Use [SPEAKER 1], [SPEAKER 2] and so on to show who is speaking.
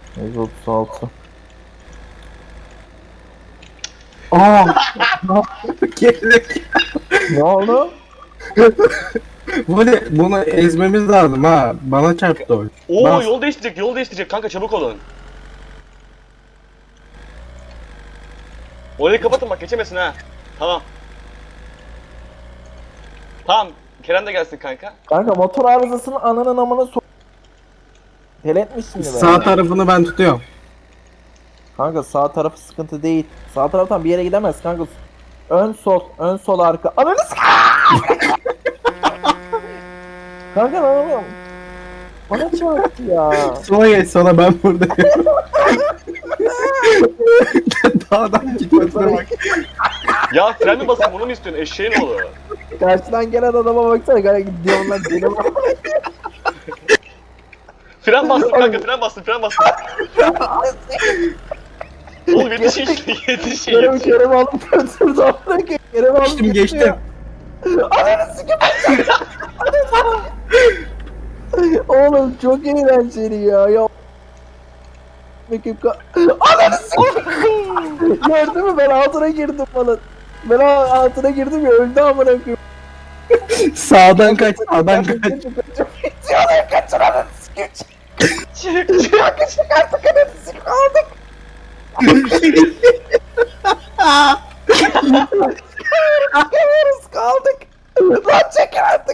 [SPEAKER 1] 136.
[SPEAKER 2] Aa! Gerek.
[SPEAKER 1] Ne oldu?
[SPEAKER 2] Bunu ezmemiz lazım ha. Bana çarptı o.
[SPEAKER 3] Oo,
[SPEAKER 2] Bas.
[SPEAKER 3] yol değiştirecek, yol değiştirecek kanka, çabuk olun. Orayı kapatın bak, geçemesin ha. Tamam. Tamam, Kerem de gelsin kanka.
[SPEAKER 1] Kanka motor arızasının ananın amına Teletmiş şimdi be.
[SPEAKER 2] Sağ tarafını ben tutuyorum.
[SPEAKER 1] Kanka sağ tarafı sıkıntı değil. Sağ taraftan bir yere gidemez kanka. Ön sol, ön sol arka. Ananı kanka ne yapıyorum? Bana çarptı ya.
[SPEAKER 2] Sola geç, sola, ben buradayım. Dağdan gitmesine bak.
[SPEAKER 3] Ya fren mi basın, bunu mu istiyorsun eşeğin oğlu?
[SPEAKER 1] Karşıdan gelen adama baksana kanka gidiyor lan deli var.
[SPEAKER 3] Fren bastım kanka, fren bastım, fren bastım. Oğlum yetişin işte, yetişin,
[SPEAKER 1] Kerem
[SPEAKER 3] yetişin.
[SPEAKER 1] Kerem alıp götürdü amına Kerem alıp
[SPEAKER 2] Geçtim, geçtim.
[SPEAKER 1] Ananı sikeyim. Oğlum çok eğlenceli ya. Ananı sikeyim. Gördün mü ben altına girdim falan. Ben altına girdim ya öldü amına koyayım.
[SPEAKER 2] Sağdan kaç, sağdan kaç.
[SPEAKER 1] Bitiyorlar kaçın ananı sikeyim.
[SPEAKER 3] Çık, çık.
[SPEAKER 1] Kanka çık artık ananı sikeyim aldık. Çıkamıyoruz kaldık. Lan çekin artık.